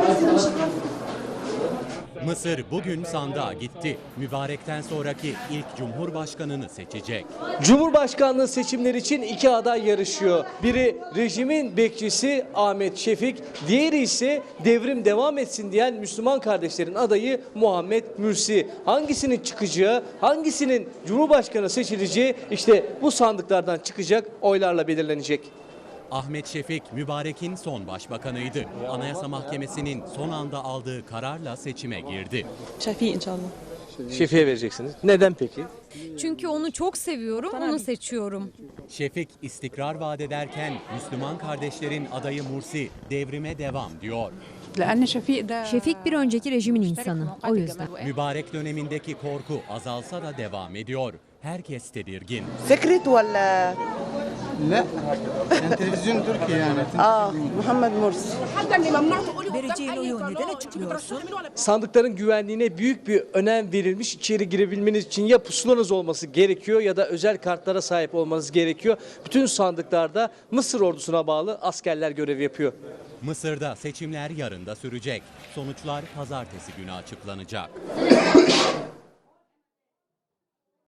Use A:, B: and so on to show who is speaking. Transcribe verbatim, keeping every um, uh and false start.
A: Mısır bugün sandığa gitti. Mübarekten sonraki ilk cumhurbaşkanını seçecek.
B: Cumhurbaşkanlığı seçimleri için iki aday yarışıyor. Biri rejimin bekçisi Ahmet Şefik, diğeri ise devrim devam etsin diyen Müslüman kardeşlerin adayı Muhammed Mürsi. Hangisinin çıkacağı, hangisinin cumhurbaşkanı seçileceği işte bu sandıklardan çıkacak, oylarla belirlenecek.
A: Ahmet Şefik, Mübarek'in son başbakanıydı. Anayasa Mahkemesi'nin son anda aldığı kararla seçime girdi.
C: Şefik inşallah.
B: Şefik'e vereceksiniz. Neden peki?
D: Çünkü onu çok seviyorum, onu seçiyorum.
A: Şefik istikrar vaat ederken Müslüman kardeşlerin adayı Mursi devrime devam diyor.
D: Şefik bir önceki rejimin insanı, o yüzden.
A: Mübarek dönemindeki korku azalsa da devam ediyor. Herkes tedirgin.
E: فكرت ولا
F: لا كان تلفزيون تركي يعني
E: اه محمد مرسي
G: Vereceğin oyu neden açıklıyorsun?
B: Sandıkların güvenliğine büyük bir önem verilmiş. İçeri girebilmeniz için ya pusulanız olması gerekiyor ya da özel kartlara sahip olmanız gerekiyor. Bütün sandıklarda Mısır ordusuna bağlı askerler görev yapıyor.
A: Mısır'da seçimler yarın da sürecek. Sonuçlar pazartesi günü açıklanacak.